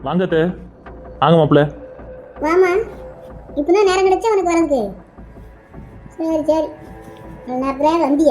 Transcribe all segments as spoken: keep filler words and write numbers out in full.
வாங்கத்த வாங்க மாப்பிள்ள. வாமா, இப்பதான் நேரம் கிடைச்சா உனக்கு வரதுக்கு. சரி சரி, நல்ல நேரத்தில் வந்திய.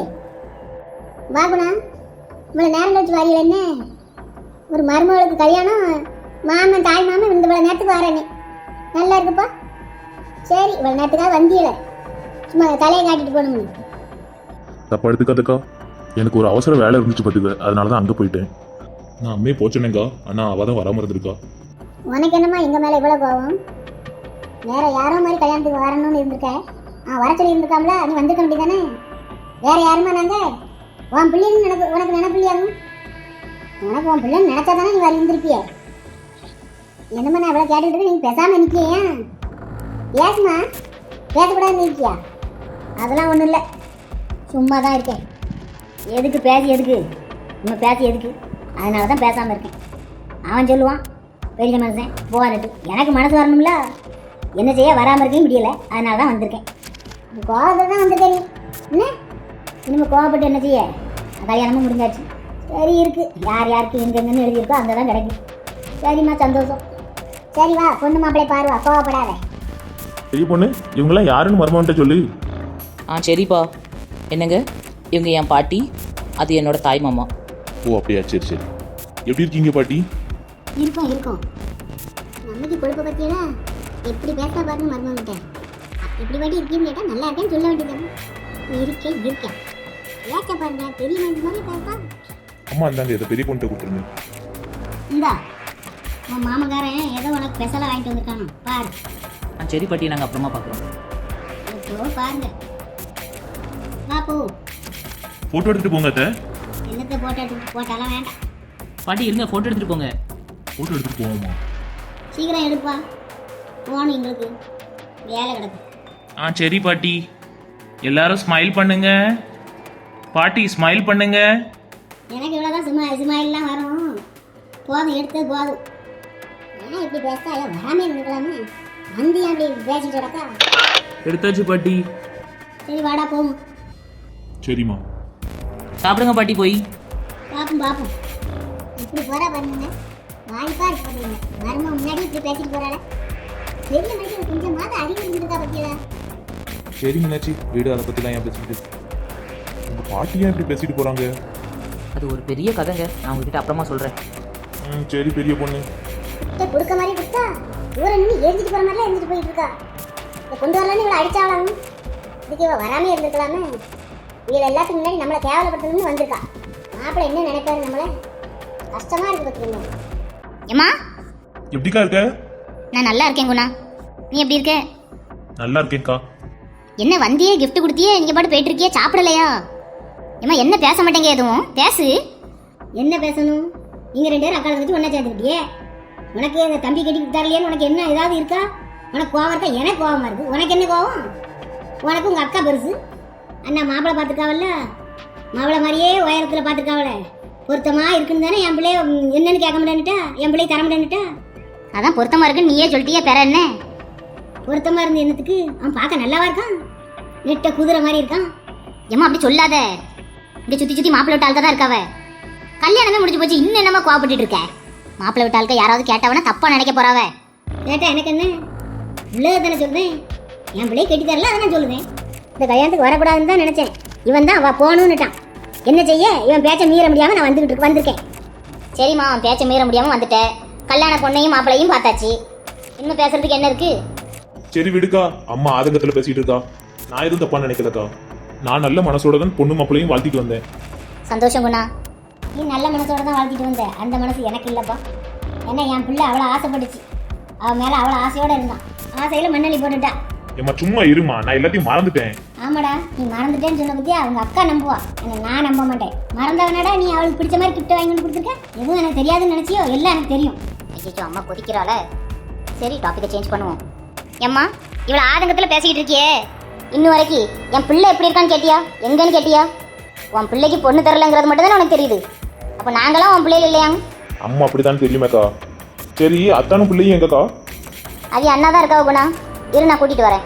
வா குணா, இவ்வளோ நேரம் கழிச்சு வாரியல என்ன? ஒரு மருமகளுக்கு கல்யாணம், மாமன் தாய் மாமன் இந்த இவ்வளோ நேரத்துக்கு வரேனே, நல்லா இருக்குப்பா. சரி, இவ்வளோ நேரத்துக்காக வந்தியல, சும்மா தலையை காட்டிட்டு போகணும். தப்பா எடுத்துக்காதக்கா, எனக்கு ஒரு அவசர வேலை இருந்துச்சு பார்த்துக்க, அதனால தான் அங்கே போயிட்டேன். நான் அம்மையே போச்சேனேங்கா, ஆனால் அவள் தான் வராமல் இருந்திருக்கா. உனக்கு என்னம்மா எங்கள் மேலே இவ்வளோ கோவம்? வேற யாரோ மாதிரி கல்யாணத்துக்கு வரணும்னு இருந்திருக்க. ஆ, வர சொல்லி இருந்திருக்காங்களா? நீ வந்திருக்க வேண்டியதானே? வேற யாருமா நாங்கள்? உன் பிள்ளைன்னு நினைப்பு, உனக்கு நினைப்பில்லையாகும். உனக்கு உன் பிள்ளைன்னு நினைச்சா தானே நீ வர இருந்திருப்பிய. என்னம்மா நான் இவ்வளோ கேட்டுக்கிட்டு நீங்கள் பேசாமல் நிற்கியா? ஏசுமா, பேசக்கூடாதுன்னு இருக்கியா? அதெல்லாம் ஒன்றும் இல்லை, சும்மா தான் இருக்கேன். எதுக்கு பேசி எதுக்கு நம்ம பேசி எதுக்கு? அதனால தான் பேசாமல் இருக்கேன். அவன் சொல்லுவான் பெரிய மனுஷன் போவான்ட்டு, எனக்கு மனசு வரணும்ல, என்ன செய்ய வராமல் இருக்கேன் முடியலை, அதனால தான் வந்திருக்கேன். கோவத்தை தான் வந்திருக்கேன். என்ன இனிமேல் கோவப்பட்டு என்ன செய்ய? கல்யாணமும் முடிஞ்சாச்சு. சரி இருக்கு, யார் யாருக்கு எங்கெங்கன்னு எழுதியிருக்கோ அங்கே தான் கிடைக்கும். சரிம்மா, சந்தோஷம். சரி வா, பொண்ணு மாப்பிள்ளை பாருவா, கோவப்படாத. பெரிய பொண்ணு, இவங்கெல்லாம் யாருன்னு மருமகன்ட்ட சொல்லு. ஆ சரிப்பா. என்னங்க, இவங்க என் பாட்டி, அது என்னோட தாய் மாமா. ஓ அப்படியா, சரி சரி. எப்படி இருக்கீங்க பாட்டி? இருக்கும் இருக்கும். நம்மளுக்கு கொழுப்பை பற்றியடா எப்படி பேச பாருங்க மருமகிட்ட. எப்படி பாட்டி இருக்கீன்னு கேட்டால் நல்லா இருக்கேன்னு சொல்ல வேண்டியது. இருக்கேன் இருக்கேன் ஏச்ச பாருங்க, பெரிய மனுஷன் மாதிரி பேசா. அம்மா இந்தாங்க, இதை பெரிய பொண்ணு கொடுத்துருங்க. இந்தா உன் மாமக்காரன் ஏதோ உனக்கு ஸ்பெஷலாக வாங்கிட்டு வந்திருக்கானோ பாரு. ஆ சரி பாட்டி, நாங்கள் அப்புறமா பார்க்குறோம். இப்போ பாருங்க. வா போ. ஃபோட்டோ எடுத்துட்டு போங்க அத்தை. என்னத்தை போட்டோ எடுத்து போட்டாலும் வேண்டாம். பாட்டி இருங்க, ஃபோட்டோ எடுத்துகிட்டு போங்க. ஃபோட்டோ எடுத்துட்டு போவோமா? சீக்கிரம் எடுப்பா, போகணும் எங்களுக்கு வேலை கிடக்கு. ஆ சரி பாட்டி, எல்லாரும் ஸ்மைல் பண்ணுங்க. பாட்டி ஸ்மைல் பண்ணுங்க. எனக்கு இவ்வளோதான் சும்மா சுமாயிலாம் வரும். போதும், எடுத்தது போதும். ஏன் இப்படி பேசா? எல்லாம் வராமே இருந்துக்கலாமே. வந்து ஏன் அப்படி பேசிட்டு கிடக்கா? எடுத்தாச்சு பாட்டி. சரி வாடா போகும். சரிம்மா. சாப்பிடுங்க பாட்டி போய். பார்ப்போம் பார்ப்போம். இப்படி போகிறா பாருங்க, வாய்ப்பா இருக்கு பாருங்க. மரும முன்னாடி இப்படி பேசிட்டு போகிறாள். பெரிய மனுஷன் கொஞ்சம் மாத அறிவு இருந்துருக்கா பற்றியல. சரி மீனாட்சி, வீடு அதை பற்றிலாம் ஏன் பேசிட்டு? உங்கள் பாட்டி ஏன் இப்படி பேசிட்டு போகிறாங்க? அது ஒரு பெரிய கதைங்க, நான் உங்ககிட்ட அப்புறமா சொல்கிறேன். ம் சரி பெரிய பொண்ணு. கொடுக்க மாதிரி கொடுத்தா ஊரை நின்று எரிஞ்சிட்டு போகிற மாதிரிலாம் எரிஞ்சிட்டு போயிட்டு இருக்கா. இதை கொண்டு வரலான்னு இவ்வளோ அடிச்சாவலாம். இதுக்கு இவள் வராமே இருந்திருக்கலாமே. இவள் எல்லாத்துக்கு முன்னாடி நம்மளை கேவலப்படுத்தணும்னு வந்திருக்கா. மாப்பிள்ளை என்ன நினைப்பாரு நம்மளை? கஷ்டமா இருக்கு பார்த்துக்கோங்க. ஏம்மா, எப்படிக்கா இருக்க? நான் நல்லா இருக்கேன் குணா, நீ எப்படி இருக்க? நல்லா இருக்கேன்க்கா. என்ன வந்தியே, gift கொடுத்தியே, நீங்க பாட்டு போயிட்டு இருக்கியே, சாப்பிடலையா? ஏம்மா என்ன பேச மாட்டேங்க, எதுவும் பேசு. என்ன பேசணும்? நீங்கள் ரெண்டு பேரும் அக்கால வச்சு ஒன்றா சேர்ந்துக்கிட்டியே. உனக்கு அந்த தம்பி கட்டி தரலையேன்னு உனக்கு என்ன ஏதாவது இருக்கா? உனக்கு கோவம் இருக்கா? எனக்கு கோவமாக இருக்குது. உனக்கு என்ன கோவம்? உனக்கு உங்கள் அக்கா பெருசு. அண்ணா மாப்பிள்ளை பார்த்துருக்காவல்ல, மாப்பிள்ளை மாதிரியே உயரத்தில் பார்த்துருக்காவல, பொருத்தமாக இருக்குன்னு தானே என் பிள்ளைய என்னன்னு கேட்க முடியான்னுட்டா, என் பிள்ளைய தர முடியான்னுட்டா. அதான் பொருத்தமா இருக்குன்னு நீயே சொல்லிட்டியே, பெற என்ன? பொருத்தமாக இருந்து என்னத்துக்கு? அவன் பார்க்க நல்லாவா இருக்கான்? நெட்ட குதிரை மாதிரி இருக்கான். ஏம்மா அப்படி சொல்லாத, இங்கே சுற்றி சுற்றி மாப்பிள்ளை விட்ட ஆள்க தான் இருக்காவ. கல்யாணமே முடிஞ்சு போச்சு, இன்னும் என்னம்மா கோவப்பட்டு இருக்க? மாப்பிள்ளை விட்ட ஆள்க யாராவது கேட்டவனா தப்பா நினைக்க போறாவ. கேட்டா எனக்கு என்ன? உள்ளதை தானே சொல்றேன். என் பிள்ளைய கட்டி தரல, அதை நான் சொல்லுவேன். இந்த கல்யாணத்துக்கு வரக்கூடாதுன்னு தான் நினைச்சேன். இவன் தான் அவ போகணுன்னுட்டான். என்ன செய்ய? இவன் பேச்ச மீற முடியாம நான் வந்துகிட்டு வந்திருக்கேன். சரிம்மா, பேச்ச மீற முடியாம வந்துட்டேன். கல்யாண பொண்ணையும் மாப்பிள்ளையும் பார்த்தாச்சு, இன்னும் பேசுறதுக்கு என்ன இருக்கு? சரி விடுக்கா, அம்மா ஆதங்கத்தில் பேசிட்டு இருக்கா. நான் எதுவும் தப்பா நினைக்கலக்கா. நான் நல்ல மனசோட தான் பொண்ணு மாப்பிள்ளையும் வாழ்த்திட்டு வந்தேன். சந்தோஷம் குணா. நீ நல்ல மனசோட தான் வாழ்த்திட்டு வந்த, அந்த மனசு எனக்கு இல்லைப்பா. ஏன்னா என் பிள்ளை அவ்வளோ ஆசைப்பட்டுச்சு, அவன் மேலே அவ்வளோ ஆசையோட இருந்தான். ஆசையில் மண்ணள்ளி போட்டுட்டா. ஏம்மா சும்மா இருமா, நான் எல்லாத்தையும் மறந்துட்டேன். ஆமாடா, நீ மறந்துட்டேன்னு சொன்ன பத்தியா அவங்க அக்கா நம்புவா, என்ன நான் நம்ப மாட்டேன். மறந்தவனடா நீ அவளுக்கு பிடிச்ச மாதிரி கிஃப்ட் வாங்கி வந்து கொடுத்துருக்க. எதுவும் எனக்கு தெரியாதுன்னு நினச்சியோ? எல்லாம் எனக்கு தெரியும். ஐயோ அம்மா கொதிக்கிறாள. சரி டாபிக்கை சேஞ்ச் பண்ணுவோம். ஏம்மா இவ்வளோ ஆதங்கத்தில் பேசிக்கிட்டு இருக்கியே, இன்னும் வரைக்கும் என் பிள்ளை எப்படி இருக்கான்னு கேட்டியா? எங்கன்னு கேட்டியா? உன் பிள்ளைக்கு பொண்ணு தரலைங்கிறது மட்டும் தானே உனக்கு தெரியுது. அப்போ நாங்களாம் உன் பிள்ளைகள் இல்லையாங்க? அம்மா அப்படிதான் தெரியுமேக்கா. சரி அத்தானும் பிள்ளையும் எங்கக்கா? அது அண்ணா தான் இருக்கா குணா, இரு நான் கூட்டிகிட்டு வரேன்.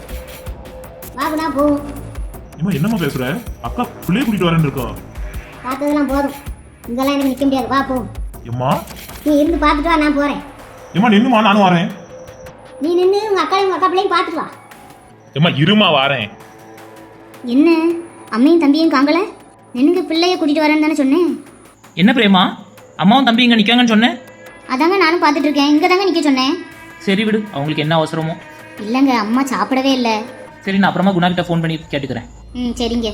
வாகுனா போ. இம்மா என்னம்மா பேசுற? அக்கா பிள்ளைய கூட்டிட்டு வரேன்னு இருக்கா. பார்த்ததெல்லாம் போதும், இங்கெல்லாம் எனக்கு நிற்க முடியாது. வா போ. எம்மா நீ இருந்து பார்த்துட்டு வா, நான் போகிறேன். ஏமா நின்னுமா நானும் வரேன். நீ நின்று உங்க அக்கா உங்க அக்கா பிள்ளையும் பார்த்துட்டு வா. ஏமா இருமா வரேன். என்ன அம்மையும் தம்பியும் காங்கல? நின்னுங்க பிள்ளைய கூட்டிட்டு வரேன்னு தானே சொன்னேன். என்ன பிரேமா, அம்மாவும் தம்பி இங்கே நிற்காங்கன்னு சொன்னேன். அதாங்க நானும் பார்த்துட்டு இருக்கேன். இங்கே தாங்க நிற்க சொன்னேன். சரி விடு, அவங்களுக்கு என்ன அவசரமோ. இல்லைங்க, அம்மா சாப்பிடவே இல்லை. சரி, நான் அப்புறமா குணா கிட்ட ஃபோன் பண்ணி கேட்டுக்கிறேன். ம் சரிங்க.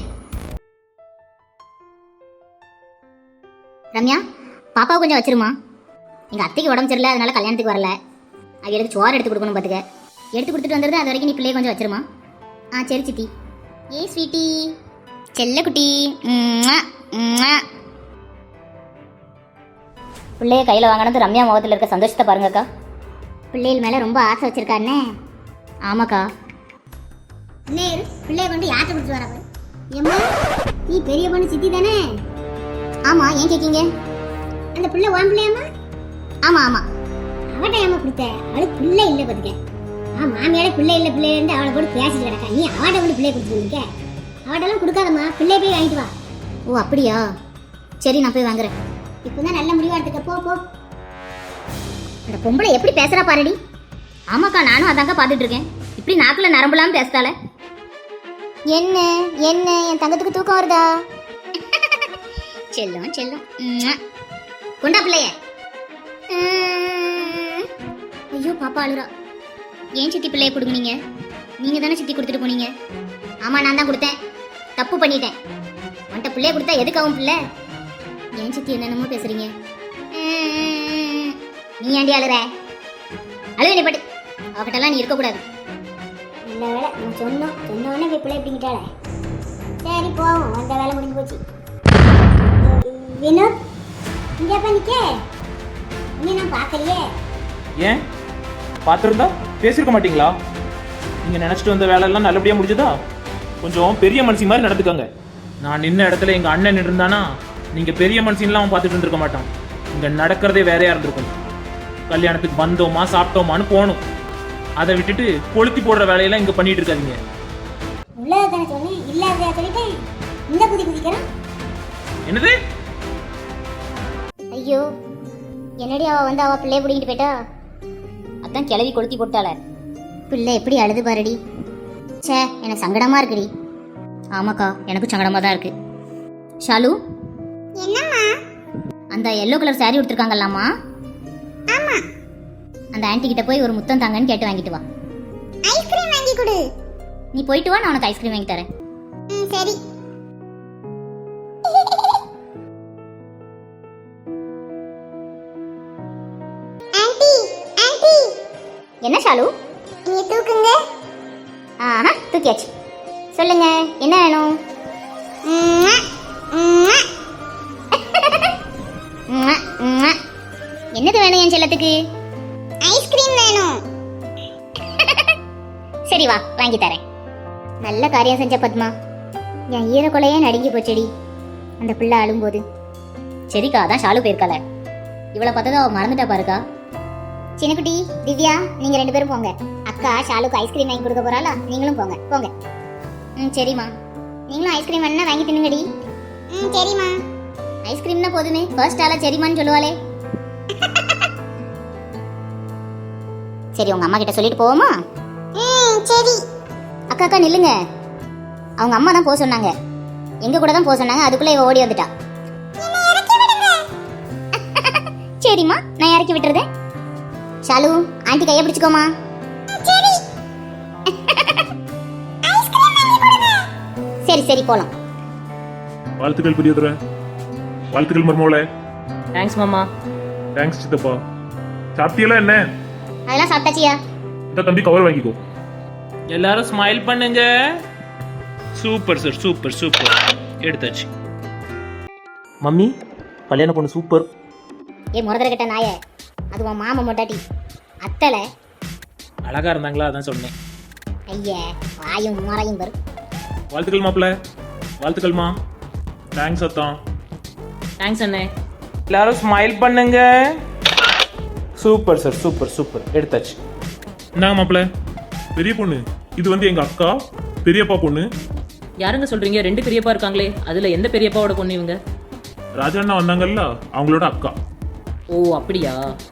ரம்யா, பாப்பாவை கொஞ்சம் வச்சிருமா. எங்கள் அத்தைக்கு உடம்பு சரியில்லை, அதனால கல்யாணத்துக்கு வரல. அவளுக்கு சோறு எடுத்து கொடுக்கணும் பார்த்துக்க. எடுத்து கொடுத்துட்டு வந்துடுது, அது வரைக்கும் நீ பிள்ளைய கொஞ்சம் வச்சிருமா. ஆ சரி சித்தி. ஏ ஸ்வீட்டி, செல்லக்குட்டி, பிள்ளைய கையில் வாங்கினது ரம்யா முகத்தில் இருக்க சந்தோஷத்தை பாருங்கக்கா. பிள்ளைகள் மேல ரொம்ப ஆசை வச்சிருக்காருன்னு. ஆமாக்கா. நேரு பிள்ளைய கொண்டு யார்ட்ட கொடுத்து வர பாரு. ஏம்மா நீ பெரிய பொண்ணு சித்தி தானே? ஆமாம், ஏன் கேட்கீங்க? அந்த பிள்ளை உன் பிள்ளையாம்மா? ஆமாம் ஆமாம். அவட்ட ஏமா கொடுத்த? அவளுக்கு பிள்ளை இல்லை பார்த்துக்க. ஆ மாமியார பிள்ளை இல்லை பிள்ளை இருந்து அவளை போட்டு பேசிட்டு கிடக்கா. நீ அவட்ட கொண்டு பிள்ளைய கொடுத்துட்டு இருக்க. அவட்டெல்லாம் கொடுக்காதம்மா, பிள்ளைய போய் வாங்கிட்டு வா. ஓ அப்படியா? சரி, நான் போய் வாங்குறேன். இப்போதான் நல்ல முடிவா எடுத்துக்க. போ போ. அந்த பொம்பளை எப்படி பேசுறா பாருடி. ஆமாக்கா, நானும் அதாங்க பார்த்துட்டு இருக்கேன். இப்படி நாக்குல நரம்புலாம் பேசுதால. என்ன என்ன என் தங்கத்துக்கு தூக்கம் வருதா? செல்லும் செல்லும். உம்மா. கொண்டா பிள்ளைய. உம். ஐயோ பாப்பா அழுறா. ஏன் சித்தி பிள்ளைய கொடுங்க? நீங்க தானே சித்தி கொடுத்துட்டு போனீங்க. ஆமா, நான் தான் கொடுத்தேன். தப்பு பண்ணிட்டேன். உன்கிட்ட பிள்ளைய கொடுத்தா எதுக்காகும் பிள்ளை? ஏன் சித்தி என்னென்னமோ பேசுறீங்க? உம். நீ ஏண்டி அழுற? அழுவே நீ பட்டு. அவகிட்டலாம் நீ இருக்கக்கூடாது. நல்ல வேலை நம்ம சொன்னோம். சொன்ன உடனே போய் பிள்ளை பிடிங்கிட்டாளே. சரி போவோம், வந்த வேலை முடிஞ்சு போச்சு. வினோத் இங்கேப்பா நிக்க. இன்னும் நான் பார்க்கலையே. ஏன் பார்த்துருந்தா பேசியிருக்க மாட்டீங்களா? நீங்கள் நினச்சிட்டு வந்த வேலையெல்லாம் நல்லபடியாக முடிஞ்சதா? கொஞ்சம் பெரிய மனுஷி மாதிரி நடந்துக்கோங்க. நான் நின்ன இடத்துல எங்கள் அண்ணன் இருந்தானா நீங்கள் பெரிய மனுஷன்லாம் அவன் பார்த்துட்டு இருந்திருக்க மாட்டான். இங்கே நடக்கிறதே வேறையாக இருந்திருக்கும். கல்யாணத்துக்கு வந்தோமா சாப்பிட்டோமான்னு போகணும். அதை விட்டுட்டு கொளுத்தி போடுற வேலையெல்லாம் இங்கே பண்ணிட்டு இருக்காதீங்க. உள்ளதை தானே சொன்னேன், இல்லாத சொல்லிட்டேன். இந்த குதி குதிக்கிறான். என்னது? ஐயோ, என்னடி அவ வந்து அவ பிள்ளைய பிடிங்கிட்டு போயிட்டா? அதான் கிளவி கொளுத்தி போட்டாள. பிள்ளை எப்படி அழுது பாருடி. சே, எனக்கு சங்கடமா இருக்குடி. ஆமாக்கா, எனக்கும் சங்கடமா தான் இருக்கு. ஷாலு, என்னம்மா? அந்த எல்லோ கலர் சாரி கொடுத்துருக்காங்கல்லாமா? ஆமா. அந்த ஆன்ட்டி கிட்ட போய் ஒரு முத்தம் தாங்கன்னு கேட்டு வாங்கிட்டு வா. ஐஸ்கிரீம் வாங்கி கொடு. நீ போயிட்டு வா, நான் உனக்கு ஐஸ்கிரீம் வாங்கி தரேன். ம் சரி. ஆன்ட்டி ஆன்ட்டி, என்ன ஷாலு? நீ தூக்குங்க. ஆஹா, தூக்கியாச்சு. சொல்லுங்க, என்ன வேணும்? உம்மா, உம்மா. உம்மா, உம்மா. என்னது வேணும் என் செல்லத்துக்கு? ஐஸ்கிரீம் வேணும். சரி வா, வாங்கி தரேன். நல்ல காரியம் செஞ்ச பத்மா. என் ஈரக்குலையே நடுங்கி போச்சடி அந்த பிள்ளை அழும்போது. சரிக்கா, அதான் ஷாலு போயிருக்காள. இவளை பார்த்ததும் அவள் மறந்துட்டா பாருக்கா. சின்னக்குட்டி, திவ்யா, நீங்கள் ரெண்டு பேரும் போங்க. அக்கா ஷாலுக்கு ஐஸ்கிரீம் வாங்கி கொடுக்க போறாளா? நீங்களும் போங்க போங்க. ம் சரிம்மா. நீங்களும் ஐஸ்கிரீம் வேணா வாங்கி தின்னுங்கடி. ம் சரிம்மா. ஐஸ்கிரீம்னா போதுமே, ஃபர்ஸ்ட் ஆளா சரிம்மான்னு சொல்லுவாளே. சரி, உங்க அம்மா கிட்ட சொல்லிட்டு போவோமா? ம் சரி. அக்கா அக்கா நில்லுங்க. அவங்க அம்மா தான் போக சொன்னாங்க. எங்க கூட தான் போக சொன்னாங்க. அதுக்குள்ள இவ ஓடி வந்துட்டா. சரிம்மா, நான் இறக்கி விட்டுறதேன். ஷாலு, ஆண்டி கையை பிடிச்சுக்கோமா. சரி. ஐஸ்கிரீம் வாங்கி கொடுங்க. சரி சரி, போலாம். வாழ்த்துக்கள் பெரியதுரை. வாழ்த்துக்கள் மருமோளே. தேங்க்ஸ் மாமா. தேங்க்ஸ் சித்தப்பா. சாப்பிட்டியெல்லாம் என்ன? அதெல்லாம் சாப்பிட்டாச்சியா? இந்த தம்பி கவர் வாங்கிக்கோ. எல்லாரும் ஸ்மைல் பண்ணுங்க. Super sir, super super. எடுத்தாச்சு. மம்மி, கல்யாண பொண்ணு சூப்பர். ஏ முறதர கிட்ட நாய, அது உன் மாமா மொட்டாட்டி அத்தலை. அழகா இருந்தாங்களா, அதான் சொன்னேன். ஐய, வாயும் முறையும் பரு. வாழ்த்துக்கள் மாப்பிள்ள. வாழ்த்துக்கள்மா. தேங்க்ஸ் அத்தான். தேங்க்ஸ் அண்ணே. எல்லாரும் ஸ்மைல் பண்ணுங்க. Super sir, super super. எடுத்தாச்சு. என்னங்க மாப்பிள்ள? பெரிய பொண்ணு இது வந்து எங்க அக்கா, பெரியப்பா பொண்ணு. யாருங்க சொல்றீங்க? ரெண்டு பெரியப்பா இருக்காங்களே, அதுல எந்த பெரியப்பாவோட பொண்ணு இவங்க? ராஜா அண்ணா வந்தாங்கல்ல, அவங்களோட அக்கா. ஓ அப்படியா?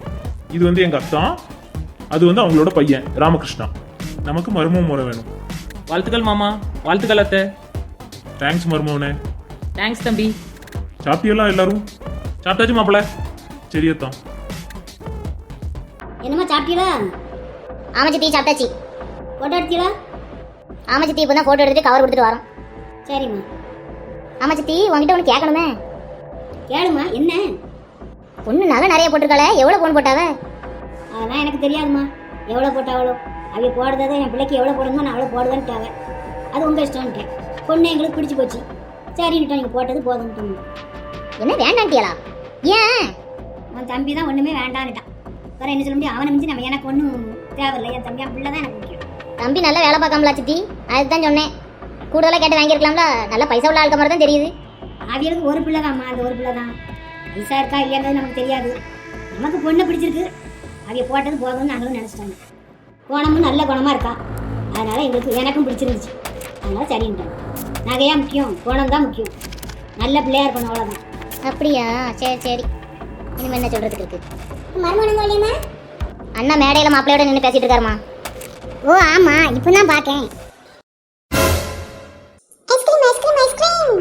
இது வந்து எங்க அத்தா, அது வந்து அவங்களோட பையன் ராமகிருஷ்ணா. நமக்கு மருமக முறை வேணும். வாழ்த்துக்கள் மாமா, வாழ்த்துக்கள் அத்தை. தேங்க்ஸ் மருமவனே. தேங்க்ஸ் தம்பி. சாப்பிட்டியெல்லாம் எல்லாரும்? சாப்பிட்டாச்சு மாப்பிள்ள. சரி அத்தா. என்னம்மா சாப்பிட்டீங்களா? ஆமா சித்தி சாப்பிட்டாச்சு. ஃபோட்டோ எடுத்தீங்களா? ஆமா சித்தி இப்போ தான் ஃபோட்டோ எடுத்துட்டு கவர் கொடுத்துட்டு வரோம். சரிம்மா. ஆமா சித்தி உங்ககிட்ட ஒன்று கேட்கணுமே. கேளுமா, என்ன? பொண்ணு நகை நிறைய போட்டிருக்காளே, எவ்வளோ பொண்ணு போட்டாவ? அதெல்லாம் எனக்கு தெரியாதும்மா. எவ்வளோ போட்டாவளோ அவங்க போடுறதை என் பிள்ளைக்கு எவ்வளோ போடணுமோ நான் அவ்வளோ போடுவேன்ட்டாங்க. அது உங்கள் இஷ்டம்ட்டேன். பொண்ணு எங்களுக்கு பிடிச்சி போச்சு. சரின்னுட்டோம், நீங்கள் போட்டது போதும்ட்டோம். என்ன வேண்டான்ட்டியலா? ஏன்? உன் தம்பி தான் ஒன்றுமே வேண்டான்னுட்டான். வேறு என்ன சொல்ல முடியும்? அவனை மிஞ்சி நம்ம எனக்கு ஒன்றும் தேவையில்லை. என் தம்பி என் பிள்ளை தான் எனக்கு முக்கியம். தம்பி நல்லா வேலை பார்க்காமலா சித்தி? அதுதான் சொன்னேன். கூடுதலாக கேட்டு வாங்கியிருக்கலாம்ல. நல்லா பைசா உள்ள ஆளுக்க மாதிரி தான் தெரியுது. அவங்களுக்கு ஒரு பிள்ளை தான்மா, அந்த ஒரு பிள்ளை தான். பைசா இருக்கா இல்லையாங்கிறது நமக்கு தெரியாது. நமக்கு பொண்ணை பிடிச்சிருக்கு. அவங்க போட்டது போதும்னு நாங்களும் நினச்சிட்டாங்க. குணமும் நல்ல குணமாக இருக்கா. அதனால் எங்களுக்கு எனக்கும் பிடிச்சிருந்துச்சு. அதனால் சரின்ட்டோம். நகையாக முக்கியம், குணம் தான் முக்கியம். நல்ல பிள்ளையாக இருக்கணும், அவ்வளோதான். அப்படியா? சரி சரி. இனிமே என்ன சொல்றதுக்கு இருக்கு? மருமகனுங்க இல்லையா? அண்ணா மேடையில் மாப்பிள்ளையோட நின்று பேசிட்டு இருக்காருமா. ஓ ஆமாம், இப்போ தான் பார்க்கேன். Ice cream ice cream ice cream.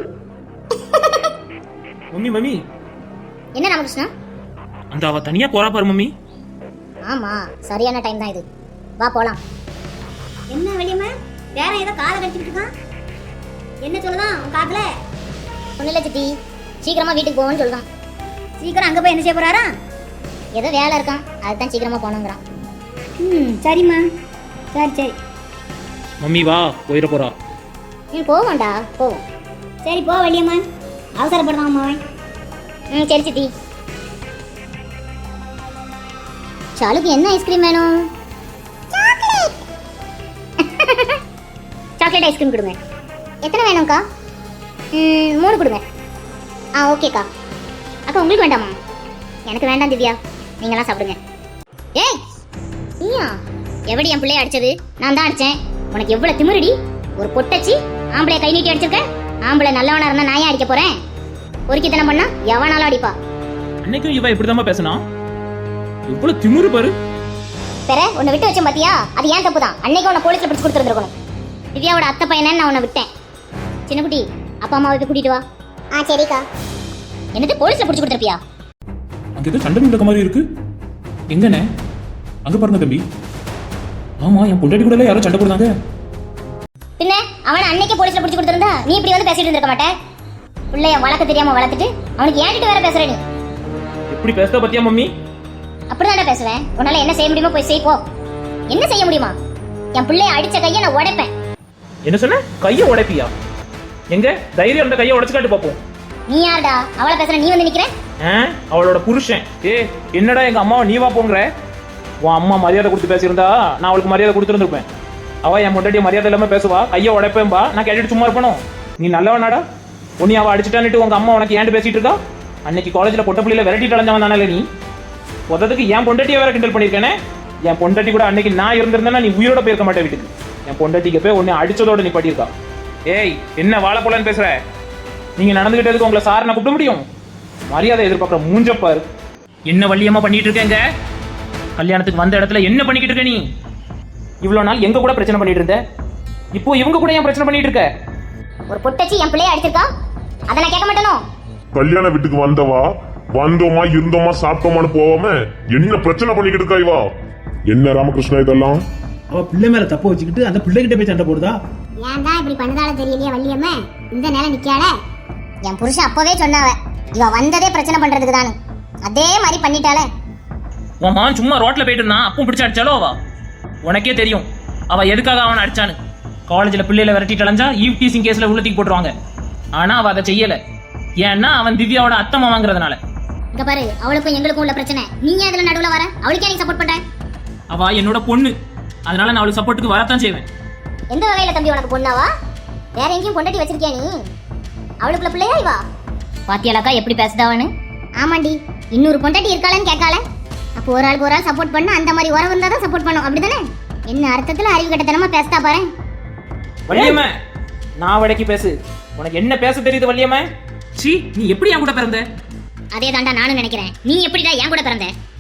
Mummy mummy, என்ன ராமகிருஷ்ணா? அந்த அவ தனியா போறா பாரு மம்மி. ஆமா, சரியான டைம் தான் இது. வா போலாம். என்ன வெளியம்மா? வேற ஏதோ காலை கட்டிட்டு இருக்கான். என்ன சொல்லுதான் உன் காதுல? ஒன்றும் இல்லை சித்தி, சீக்கிரமா வீட்டுக்கு போவோன்னு சொல்லுதான். சீக்கிரம் அங்கே போய் என்ன செய்ய போறாரா? ஏதோ வேலை இருக்கான், அதுதான் சீக்கிரமா போகணுங்கிறான். ம் சரிம்மா, சரி சரி. மம்மி வா, போயிட போறா. ம் போவோம்டா, போவோம். சரி போ வெளியம்மா, அவசரப்படுதான் அம்மா. ம் சரி சித்தி. சாலுக்கு என்ன ஐஸ்கிரீம் வேணும்? சாக்லேட் ஐஸ்கிரீம் கொடுங்க. எத்தனை வேணும்க்கா? ம் மூணு கொடுங்க. ஆ ஓகேக்கா. அக்கா உங்களுக்கு வேண்டாமா? எனக்கு வேண்டாம் திவ்யா, நீங்களாம் சாப்பிடுங்க. ஏய் நீயா? எவடி என் பிள்ளைய அடிச்சது? நான் தான் அடிச்சேன். உனக்கு எவ்வளோ திமிருடி? ஒரு பொட்டச்சி ஆம்பளைய கை நீட்டி அடிச்சிருக்க. ஆம்பளை நல்லவனா இருந்தா நான் ஏன் அடிக்க போறேன்? பொறுக்கித்தனம் பண்ணா எவனாலும் அடிப்பா. அன்னைக்கும் இவ இப்படிதாம்மா பேசினா. இவ்வளவு திமிரு பாரு. பெற உன்னை விட்டு வச்சேன் பாத்தியா? அது ஏன் தப்பு தான். அன்னைக்கு உன்னை போலீஸ்ல பிடிச்சு கொடுத்துருந்துருக்கணும். திவ்யாவோட அத்தை பையனே நான் உன்னை விட்டேன். சின்ன குட்டி, அப்பா அம்மாவை போய் கூட்டிட்டு வா. ஆ சரிக்கா. என்னது போலீஸ்ல பிடிச்சு கொடுத்துருப்பியா? அங்க ஏதோ சண்டை நடக்க மாதிரி இருக்கு. எங்கண்ணே? அங்க பாருங்க தம்பி. ஆமா, என் பொண்டாட்டி கூட யாரோ சண்டை போடுறாங்க. பின்ன அவனை அன்னைக்கே போலீஸ்ல பிடிச்சு கொடுத்துருந்தா நீ இப்படி வந்து பேசிட்டு இருந்திருக்க மாட்டே. பிள்ளைய வளர்க்க தெரியாம வளர்த்துட்டு அவனுக்கு ஏன்ட்டு வேற பேசுற நீ. எப்படி பேசுத பத்தியா மம்மி? அப்படிதான்டா பேசுவேன். உன்னால என்ன செய்ய முடியுமோ போய் செய் போ. என்ன செய்ய முடியுமா? என் பிள்ளைய அடிச்ச கையை நான் உடைப்பேன். என்ன சொன்ன? கையை உடைப்பியா? எங்க தைரியம் அந்த கையை உடைச்சு காட்டு பாப்போம். நீ யாருடா அவளை பேசுற? நீ வந்து நிக்கிற? ஆ, அவளோட புருஷன். ஏ என்னடா எங்க அம்மாவை நீ வா போங்கிற? உன் அம்மா மரியாதை கொடுத்து பேசியிருந்தா நான் அவளுக்கு மரியாதை கொடுத்துருந்துருப்பேன். அவ என் முன்னாடி மரியாதை இல்லாம பேசுவா. கையை உடைப்பேன்பா. நான் கேட்டுட்டு சும்மா இருப்பணும். நீ நல்லவனாடா? உன்னை அவ அடிச்சுட்டான்னுட்டு உங்க அம்மா உனக்கு ஏன்ட்டு பேசிட்டு இருக்கா? அன்னைக்கு காலேஜ்ல பொட்ட பிள்ளையில விரட்டிட்டு அலைஞ்சவன் தானே நீ? உதத்துக்கு என் பொண்டாட்டியை வேற கிண்டல் பண்ணியிருக்கேனே. என் பொண்டாட்டி கூட அன்னைக்கு நான் இருந்திருந்தேன்னா நீ உயிரோட போயிருக்க மாட்டேன் வீட்டுக்கு. என் பொண்டாட்டிக்கு போய் உன்னை அடிச்சதோட நீ பாட்டியிருக்கா. ஏய் என்ன வாழ போலன்னு பேசுற? நீங்க நடந்துகிட்டதுக்கு உங்களை சார் நான் கூப்பிட முடியும்? மரியாதை எதிர்பார்க்குற மூஞ்சப்பாரு. என்ன வள்ளியம்மா பண்ணிட்டு இருக்கேங்க? கல்யாணத்துக்கு வந்த இடத்துல என்ன பண்ணிக்கிட்டு இருக்க நீ? இவ்வளவு நாள் எங்க கூட பிரச்சனை பண்ணிட்டு இருந்த, இப்போ இவங்க கூட ஏன் பிரச்சனை பண்ணிட்டு இருக்க? ஒரு பொட்டச்சி என் பிள்ளைய அடிச்சிருக்கா, அதை நான் கேட்க மாட்டேனோ? கல்யாண வீட்டுக்கு வந்தவா வந்தோமா இருந்தோமா சாப்பிட்டோமான்னு போவாம என்ன பிரச்சனை பண்ணிக்கிட்டு இருக்கா இவா? என்ன ராமகிருஷ்ணா இதெல்லாம்? அவ பிள்ளை மேல தப்பு வச்சுக்கிட்டு அந்த பிள்ளைகிட்ட போய் சண்டை போடுதா? ஏன் தான் இப்படி பண்ணதால தெரியலையே வள்ளியம்மா, இந்த நேரம் நிக்கால. என் புருஷன் அப்பவே சொன்னாவ இவ வந்ததே பிரச்சனை பண்றதுக்கு தானு. அதே மாதிரி பண்ணிட்டாளே. உன் மகன் சும்மா ரோட்ல போயிட்டு இருந்தான், அப்பவும் பிடிச்சு அடிச்சாலோ அவ? உனக்கே தெரியும் அவ எதுக்காக அவனை அடிச்சான்னு. காலேஜ்ல பிள்ளையில விரட்டிட்டு அலைஞ்சா ஈவ் டீசிங் கேஸ்ல உள்ளத்துக்கு போட்டுருவாங்க. ஆனா அவ அதை செய்யல. ஏன்னா அவன் திவ்யாவோட அத்தம்மா வாங்குறதுனால. இங்க பாரு, அவளுக்கும் எங்களுக்கும் உள்ள பிரச்சனை. நீ ஏன் இதுல நடுவுல வர? அவளுக்கே நீ சப்போர்ட் பண்ற? அவ என்னோட பொண்ணு, அதனால நான் அவளுக்கு சப்போர்ட்டுக்கு வரத்தான் செய்வேன். எந்த வகையில தம்பி உனக்கு பொண்ணாவா? வேற எங்கேயும் பொண்டாட்டி வச்சிருக்கியா நீ? அவளுக்குள்ள பிள்ளையா இவா? பாத்தியாலக்கா எப்படி பேசுதாவன்னு? ஆமாண்டி, இன்னொரு பொண்டாட்டி இருக்காளன்னு கேட்கால. அப்போ ஒரு ஆளுக்கு ஒரு ஆள் சப்போர்ட் பண்ண அந்த மாதிரி உறவு இருந்தா தான் சப்போர்ட் பண்ணும், அப்படிதானே? என்ன அர்த்தத்துல அறிவு கட்டத்தனமா பேசுதா பாரு. வள்ளியம்மா நான் வடக்கி பேசு. உனக்கு என்ன பேச தெரியுது வள்ளியம்மா? சீ, நீ எப்படி என் கூட பிறந்த? அதே தாண்டா நானும் நினைக்கிறேன். நீ எப்படிடா என் கூட பிறந்த?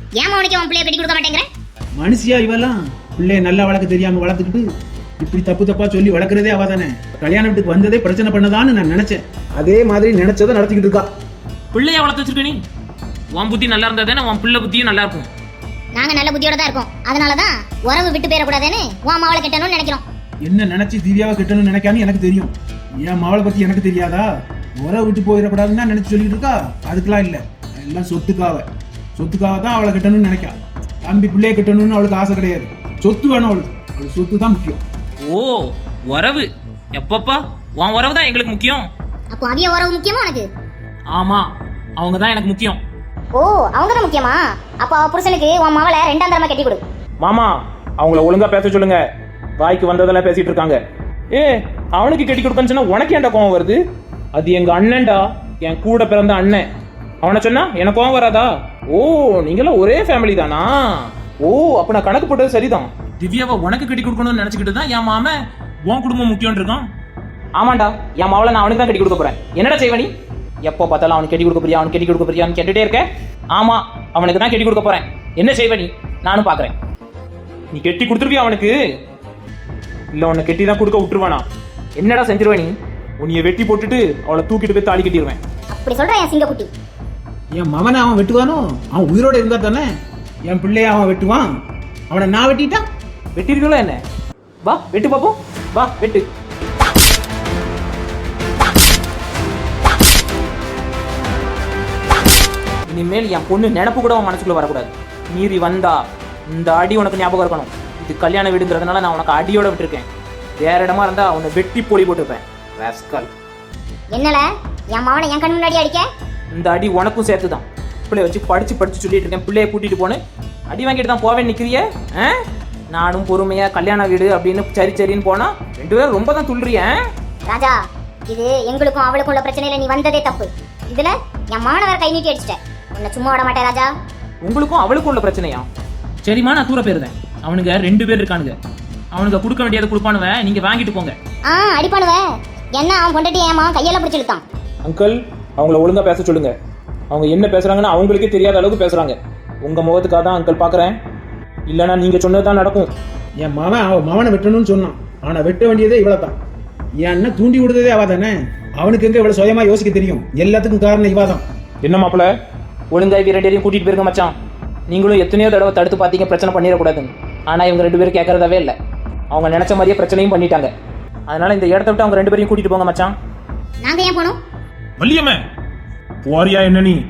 ஏன் அவனுக்கு உன் பிள்ளைய கட்டி கொடுக்க மாட்டேங்கிற? மனுஷியா இவெல்லாம் பிள்ளைய நல்லா வளர்க்க தெரியாம வளர்த்துக்கிட்டு இப்படி தப்பு தப்பா சொல்லி வளர்க்குறதே அவ தானே. கல்யாண வீட்டுக்கு வந்ததே பிரச்சனை பண்ணதான்னு நான் நினைச்சேன். அதே மாதிரி நினைச்சதை நடத்திக்கிட்டு இருக்கா. பிள்ளைய வளர்த்து வச்சிருக்க நீ. உன் புத்தி நல்லா இருந்தா தானே உன் பிள்ளை புத்தியும் நல்லா இருக்கும். நாங்க நல்ல புத்தியோட தான் இருக்கோம். அதனாலதான் உறவு விட்டு போயிடக்கூடாதுன்னு உன் மாவளை கட்டணும்னு நினைக்கிறோம். என்ன நினைச்சு திவ்யாவை கட்டணும்னு நினைக்கான்னு எனக்கு தெரியும். என் மவளை பத்தி எனக்கு தெரியாதா? உறவு விட்டு போயிடக்கூடாதுன்னு தான் நினைச்சு சொல்லிட்டு இருக்கா. அதுக்கெல்லாம் இல்ல, எல்லாம் சொத்துக்காக. சொத்துக்காக தான் அவளை கட்டணும்னு நினைக்கா. தம்பி பிள்ளைய கட்டணும்னு அவளுக்கு ஆசை கிடையாது. சொத்து வேணும் அவளுக்கு. அவளுக்கு சொத்து தான் முக்கியம். ஓ உறவு எப்பப்பா? உன் உறவு தான் எங்களுக்கு முக்கியம். அப்போ அவிய உறவு முக்கியமா உனக்கு? ஆமா, அவங்க தான் எனக்கு முக்கியம். ஓ அவங்க தான் முக்கியமா? அப்போ அவ புருஷனுக்கு உன் மாவளை ரெண்டாம் தரமா கட்டி கொடு. மாமா அவங்கள ஒழுங்கா பேச சொல்லுங்க. வாய்க்கு வந்ததெல்லாம் பேசிட்டு இருக்காங்க. ஏ அவனுக்கு கட்டி கொடுக்கன்னு சொன்னா உனக்கு ஏன்டா கோவம் வருது? அது எங்க அண்ணன்டா, என் கூட பிறந்த அண்ணன். அவனை சொன்னா எனக்கு கோவம் வராதா? ஓ நீங்களாம் ஒரே ஃபேமிலி தானா? ஓ அப்ப நான் கணக்கு போட்டது சரிதான். திவ்யாவை உனக்கு கட்டி கொடுக்கணும்னு நினைச்சுக்கிட்டு தான் என் மாமன் உன் குடும்பம் முக்கியம் இருக்கான். ஆமாண்டா, என் மாவளை நான் அவனுக்கு தான் கட்டி கொடுக்க போறேன். என்னடா செய்வ நீ? எப்போ பார்த்தாலும் அவனுக்கு கட்டி கொடுக்க போறியா, அவனுக்கு கட்டி கொடுக்க போறியான்னு கேட்டுட்டே இருக்க. ஆமா, அவனுக்கு தான் கட்டி கொடுக்க போறேன். என்ன செய்வ நீ? நானும் பாக்குறேன். நீ கெட்டி கொடுத்துருவியா அவனுக்கு? இல்ல உன்னை கெட்டி தான் கொடுக்க விட்டுருவானா? என்னடா செஞ்சிருவ நீ? உன்னைய வெட்டி போட்டுட்டு அவளை தூக்கிட்டு போய் தாலி கட்டிடுவேன். அப்படி சொல்றேன் என் சிங்கக்குட்டி. என் மகனை அவன் வெட்டுவானோ? அவன் உயிரோட இருந்தா தானே என் பிள்ளைய அவன் வெட்டுவான். அவனை நான் வெட்டிட்டா வெட்டிருக்கல என்ன? வா வெட்டு பாப்போம். வா வெட்டு. இனிமேல் என் பொண்ணு நினப்பு கூட உன் மனசுக்குள்ள வரக்கூடாது. மீறி வந்தா இந்த அடி உனக்கு ஞாபகம் இருக்கணும். இது கல்யாண வீடுங்கிறதுனால நான் உனக்கு அடியோட விட்டுருக்கேன். வேற இடமா இருந்தா அவனை வெட்டி பொடி போட்டுருப்பேன். ராஸ்கல். என்னல என் மாவனை என் கண் முன்னாடி அடிக்க? இந்த அடி உனக்கும் சேர்த்து தான். பிள்ளைய வச்சு படிச்சு படிச்சு சொல்லிட்டு இருக்கேன். பிள்ளைய கூட்டிட்டு போன்னு அடி வாங்கிட்டு தான் போவேன் நிக்கிறிய? நானும் பொறுமையா கல்யாண வீடு அப்படின்னு சரி சரின்னு போனா ரெண்டு பேரும் ரொம்ப தான் துள்ளுறிய. ராஜா, இது எங்களுக்கும் அவளுக்கும் உள்ள பிரச்சனையில நீ வந்ததே தப்பு. இதுல என் மாணவர் கை நீட்டி அடிச்சிட்ட. உன்னை சும்மா விட மாட்டேன் ராஜா. உங்களுக்கும் அவளுக்கும் உள்ள பிரச்சனையா? சரிம்மா, நான் தூர போயிருந்தேன். அவனுங்க ரெண்டு பேர் இருக்கானுங்க. அவனுங்க கொடுக்க வேண்டியதை கொடுப்பானுவ. நீங்க வாங்கிட்டு போங்க. ஆ அடிப்பானுவ. என்ன அவன் கொண்டுட்டு ஏமா கையெல்லாம் பிடிச்சி இழுத்தான்? அங்கிள் அவங்கள ஒழுங்கா பேச சொல்லுங்க. அவங்க என்ன பேசுறாங்கன்னு அவங்களுக்கே தெரியாத அளவுக்கு பேசுறாங்க. உங்க முகத்துக்காக தான் அங்கிள் பாக்குறேன். இல்லைன்னா நீங்க சொன்னதுதான் நடக்கும். என் மகன் அவன் மகனை வெட்டணும்னு சொன்னான். அவனை வெட்ட வேண்டியதே இவ்வளவு தான். என் அண்ணன் தூண்டி விடுறதே அவ தானே. அவனுக்கு எங்க இவ்வளவு சுயமா யோசிக்க தெரியும்? எல்லாத்துக்கும் காரணம் இவா தான். என்ன மாப்பிள்ள, ஒழுங்கா இவங்க ரெண்டு பேரையும் கூட்டிட்டு போயிருங்க மச்சான். நீங்களும் எத்தனையோ தடவை தடுத்து பார்த்தீங்க பிரச்சனை பண்ணிடக்கூடாதுன்னு. ஆனா இவங்க ரெண்டு பேரும் கேட்கறதாவே இல்லை. அவங்க நினைச்ச மாதிரியே பிரச்சனையும் பண்ணிட்டாங்க. அதனால இந்த இடத்த விட்டு அவங்க ரெண்டு பேரையும் கூட்டிட்டு போங்க மச்சான். நாங்க ஏன் போனோம்? வள்ளியம்மே போறியா என்ன நீ?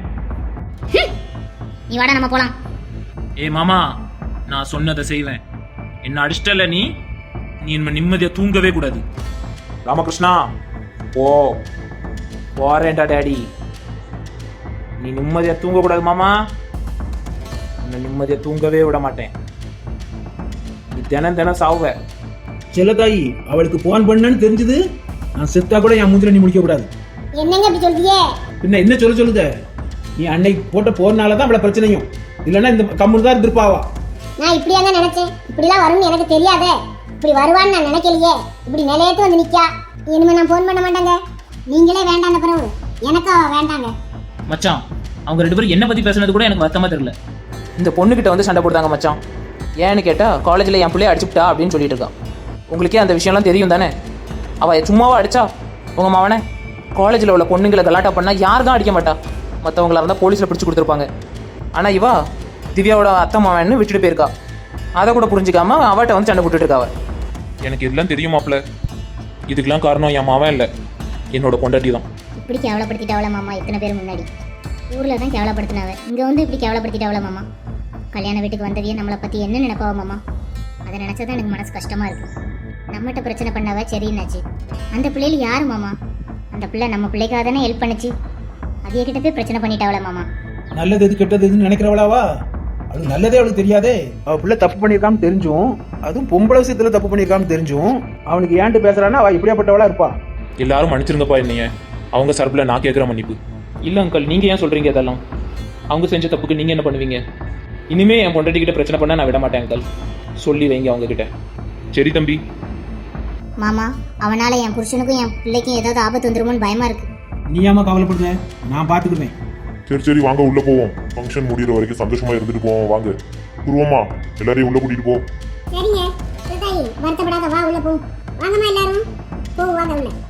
நீ வாடா நம்ம போலாம். ஏ மாமா, நான் சொன்னதை செய்வேன். என்ன அடிச்சிட்டல நீ நீ இனிமே நிம்மதியா தூங்கவே கூடாது. ராமகிருஷ்ணா ஓ போறேன்டா டேடி. நீ நிம்மதியா தூங்க கூடாது மாமா. உன்னை நிம்மதியா தூங்கவே விட மாட்டேன். நீ தினம் தினம் சாவுவ. செல்லத்தாயி, அவளுக்கு போன் பண்ணன்னு தெரிஞ்சது நான் செத்தா கூட என் முந்திர நீ முடிக்க கூடாது. என்னங்க இப்படி சொல்றியே? பின்ன என்ன சொல்ல சொல்லுத? நீ அன்னைக்கு போட்ட போறனாலதான் அவளை பிரச்சனையும். இல்லைன்னா இந்த கம்முன்னு தான் இருந்திருப்பாவா. நான் இப்படியா தான் நினைச்சேன். இப்படிலாம் வரும்னு எனக்கு தெரியாதே. இப்படி வருவான்னு நான் நினைக்கலையே. இப்படி நிலையத்து வந்து நிக்கா. இனிமே நான் போன் பண்ண மாட்டாங்க. நீங்களே வேண்டாம் பிறகு எனக்கும் அவ வேண்டாங்க. மச்சான், அவங்க ரெண்டு பேரும் என்ன பத்தி பேசுனது கூட எனக்கு வருத்தமா தெரியல. இந்த பொண்ணுகிட்ட வந்து சண்டை போடுறாங்க மச்சான். ஏன்னு கேட்டா காலேஜில் என் பிள்ளைய அடிச்சுட்டா அப்படின்னு சொல்லிட்டு இருக்கா. உங்களுக்கே அந்த விஷயம்லாம் தெரியும் தானே? அவள் சும்மாவா அடிச்சா உங்கள் மாவனை? காலேஜில் உள்ள பொண்ணுங்களை கலாட்டா பண்ணால் யார் தான் அடிக்க மாட்டா? மற்றவங்களா இருந்தால் போலீஸில் பிடிச்சி கொடுத்துருப்பாங்க. ஆனால் இவா திவ்யாவோட அத்தை மாவன்னு விட்டுட்டு போயிருக்கா. அதை கூட புரிஞ்சிக்காம அவட்ட வந்து சண்டை போட்டுட்டு இருக்கா. எனக்கு இதெல்லாம் தெரியும் மாப்ள. இதுக்கெல்லாம் காரணம் என் மாவன் இல்லை, என்னோட பொண்டாட்டி தான். இப்படி கேவலப்படுத்திட்டாவள மாமா இத்தனை பேர் முன்னாடி. ஊரில் தான் கேவலப்படுத்தினாவ. இங்கே வந்து இப்படி கேவலப்படுத்திட்டாவள மாமா. கல்யாண வீட்டுக்கு வந்ததையே நம்மளை பற்றி என்ன நினைப்பாவ மாமா? அதை நினச்சதான் எனக்கு மனசு கஷ்டமாக இருக்குது. நம்மகிட்ட பிரச்சனை பண்ணாவ சரின்னாச்சு. அந்த பிள்ளைகள் யாரு மாமா? அந்த பிள்ளை நம்ம பிள்ளைக்காக தானே ஹெல்ப் பண்ணுச்சு. அதே கிட்ட போய் பிரச்சனை பண்ணிட்டாவள மாமா. நல்லது எது கெட்டது எதுன்னு நினைக்கிறவளாவா? அது நல்லதே அவளுக்கு தெரியாதே. அவ பிள்ளை தப்பு பண்ணியிருக்கான்னு தெரிஞ்சும், அதுவும் பொம்பளை விஷயத்துல தப்பு பண்ணியிருக்கான்னு தெரிஞ்சும் அவனுக்கு ஏன்ட்டு பேசுறான்னா அவ இப்படியாப்பட்டவளா இருப்பா. எல்லாரும் மன்னிச்சிருங்கப்பா என்னைய. அவங்க சார்பில் நான் கேட்குற மன்னிப்பு. இல்லை அங்கிள், நீங்கள் ஏன் சொல்கிறீங்க இதெல்லாம்? அவங்க செஞ்ச தப்புக்கு நீங்கள் என்ன பண்ணுவீங்க? இனிமே என் பொண்டாட்டிக்கிட்ட பிரச்சனை பண்ண நான் விட மாட்டேன் அங்கிள். சொல்லி வைங்க அவங்க கிட்ட. சரி தம்பி. மாமா, அவனால என் புருஷனுக்கும் என் பிள்ளைக்கும் ஏதாவது ஆபத்து வந்துருமோன்னு பயமா இருக்கு. நீ ஏமா கவலைப்படுத? நான் பாத்துக்குவேன். சரி சரி வாங்க உள்ள போவோம் வாங்க. ஃபங்க்ஷன் முடிகிற வரைக்கும் சந்தோஷமா இருந்துட்டு போவோம் வாங்க. பூர்வமா எல்லாரையும் உள்ள கூட்டிட்டு போ. சரிங்க சிவதாயி வருத்தப்படாத வா உள்ள போ. வாங்கம்மா எல்லாரும் போ வாங்க உள்ள.